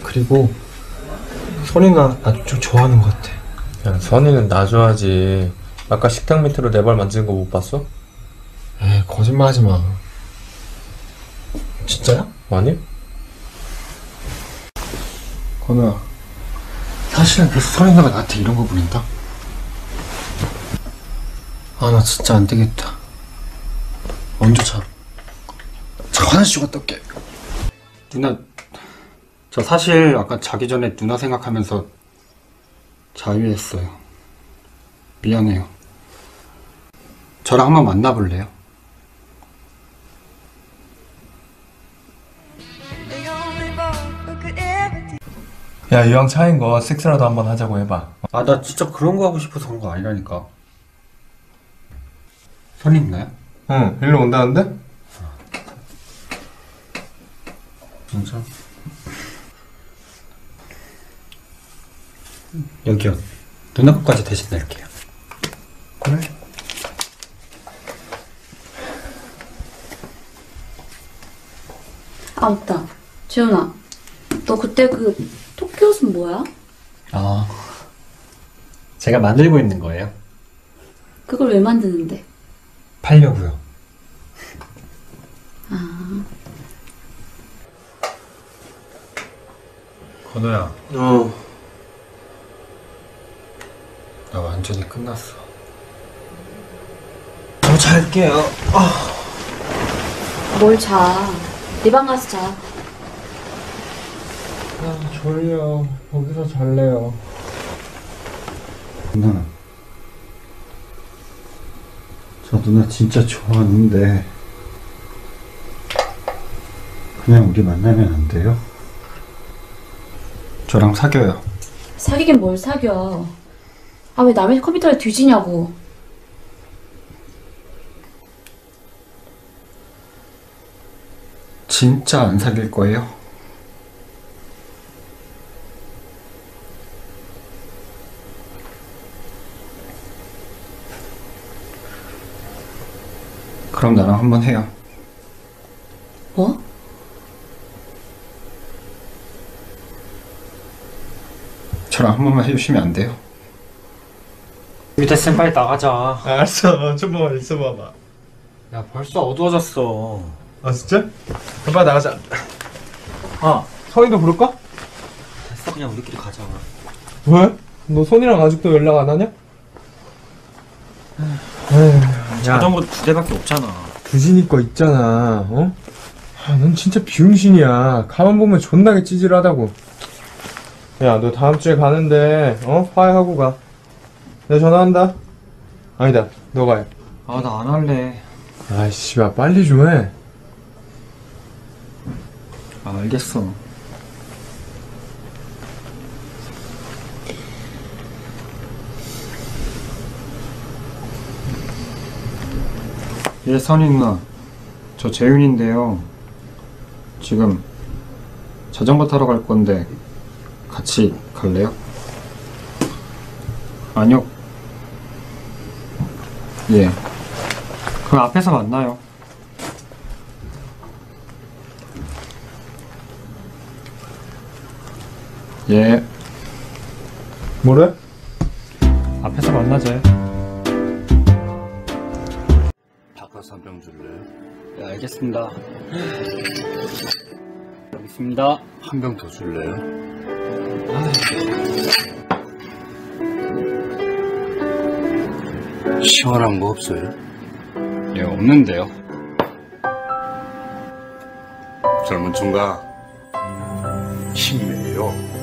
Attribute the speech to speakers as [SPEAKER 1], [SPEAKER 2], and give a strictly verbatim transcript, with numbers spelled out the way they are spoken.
[SPEAKER 1] 그리고 선이가 나 좀 좋아하는 것 같아.
[SPEAKER 2] 야, 선이는 나 좋아하지. 아까 식탁 밑으로 내 발 만지는 거 못 봤어?
[SPEAKER 1] 에이, 거짓말하지 마. 진짜야?
[SPEAKER 2] 아니?
[SPEAKER 1] 건우야, 사실은 그래서 선이가 나한테 이런 거 보낸다? 아, 나 진짜 안 되겠다. 먼저 자. 자, 화장실 좀 갔다 올게. 누나, 저 사실 아까 자기 전에 누나 생각하면서 자유했어요. 미안해요. 저랑 한번 만나볼래요?
[SPEAKER 2] 야, 이왕 차인 거 섹스라도 한번 하자고 해봐.
[SPEAKER 1] 아, 나 진짜 그런 거 하고 싶어서 그런 거 아니라니까. 선이 있나요?
[SPEAKER 2] 응, 일로 온다는데?
[SPEAKER 1] 진짜? 여기요. 누나 것까지 대신 낼게요.
[SPEAKER 2] 그래?
[SPEAKER 3] 아, 맞다. 재훈아, 너 그때 그 토끼 옷은 뭐야?
[SPEAKER 1] 아, 제가 만들고 있는 거예요.
[SPEAKER 3] 그걸 왜 만드는데?
[SPEAKER 1] 팔려고요.
[SPEAKER 3] 아,
[SPEAKER 1] 건우야,
[SPEAKER 2] 어.
[SPEAKER 1] 나 완전히 끝났어. 저 잘게요. 아.
[SPEAKER 3] 뭘 자. 네 방 가서 자.
[SPEAKER 1] 아, 졸려. 거기서 잘래요. 누나, 저 누나 진짜 좋아하는데 그냥 우리 만나면 안 돼요? 저랑 사귀어요.
[SPEAKER 3] 사귀긴 뭘 사겨. 아, 왜 남의 컴퓨터를 뒤지냐고.
[SPEAKER 1] 진짜 안 사귈 거예요? 그럼 나랑 한번 해요.
[SPEAKER 3] 뭐?
[SPEAKER 1] 저랑 한 번만 해주시면 안 돼요? 밑에 쌤 빨리 나가자.
[SPEAKER 2] 알았어, 좀만 있어봐봐.
[SPEAKER 1] 야, 벌써 어두워졌어.
[SPEAKER 2] 아, 진짜? 그럼 빨리 나가자. 아, 선이도 부를까?
[SPEAKER 1] 됐어, 그냥 우리끼리 가자.
[SPEAKER 2] 왜? 너 선이랑 아직도 연락 안 하냐? 에휴,
[SPEAKER 1] 자전거 두 대밖에 없잖아.
[SPEAKER 2] 두진이 거 있잖아, 어? 아, 넌 진짜 비용신이야. 가만 보면 존나게 찌질하다고. 야, 너 다음 주에 가는데, 어? 화해하고 가. 내가 전화한다. 아니다, 너가 해.
[SPEAKER 1] 아, 나 안 할래.
[SPEAKER 2] 아이씨, 야, 빨리 좀 해.
[SPEAKER 1] 아, 알겠어. 예, 선이 누나. 저 재윤인데요. 지금 자전거 타러 갈 건데 같이 갈래요? 아니요. 예. 그 앞에서 만나요. 예.
[SPEAKER 2] 뭐래?
[SPEAKER 1] 앞에서 만나자.
[SPEAKER 4] 바카스 한 병 줄래요?
[SPEAKER 1] 네, 알겠습니다. 여기 있습니다.
[SPEAKER 4] 한 병 더 줄래요? 시원한 거 없어요?
[SPEAKER 1] 예, 없는데요.
[SPEAKER 4] 젊은 총각 힘내요.